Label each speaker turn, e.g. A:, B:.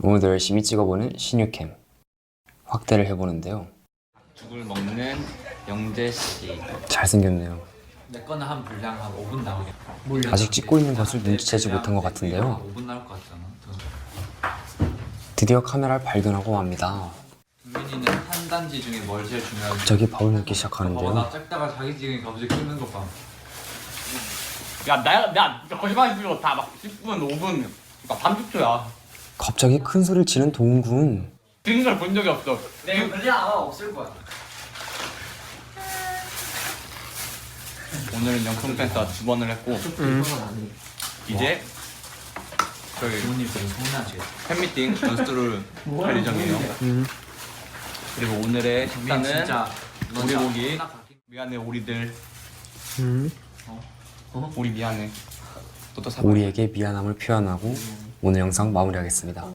A: 오늘도 열심히 찍어보는 신유캠 확대를 해보는데요.
B: 죽을 먹는 영재씨.
A: 잘생겼네요.
B: 내 거는 한 분량 한 5분 나오겠다.
A: 아직 찍고 있는 것을 눈치채지 못한 것 같은데요.
B: 5분 나올 것 같잖아.
A: 드디어 카메라를 발견하고 맙니다.
B: 민이는 한 단지 중에 뭘 제일 중요하지?
A: 갑자기 밥을 먹기
B: 나
A: 시작하는데요.
B: 작다가 자기 지금 갑자기 끓는 거 봐.
C: 야, 나 거짓말 치고 다 막 10분, 5분, 그러니까 30초야.
A: 갑자기 큰 소리를 치는 동군.
C: 찍는 걸 본 적이 없어.
B: 내가 그냥 아마 없을 거야.
C: 오늘은 영통 펜스가 2번을 했고 이제 저희
B: 부모님들은 서운하지.
C: 팬미팅 연습을 할 예정이에요. 그리고 오늘의 식단은
B: 진짜
C: 오리고기. 미안해 오리들. 우리 미안해. 너도 사과.
A: 우리에게 미안함을 표현하고 오늘 영상 마무리하겠습니다.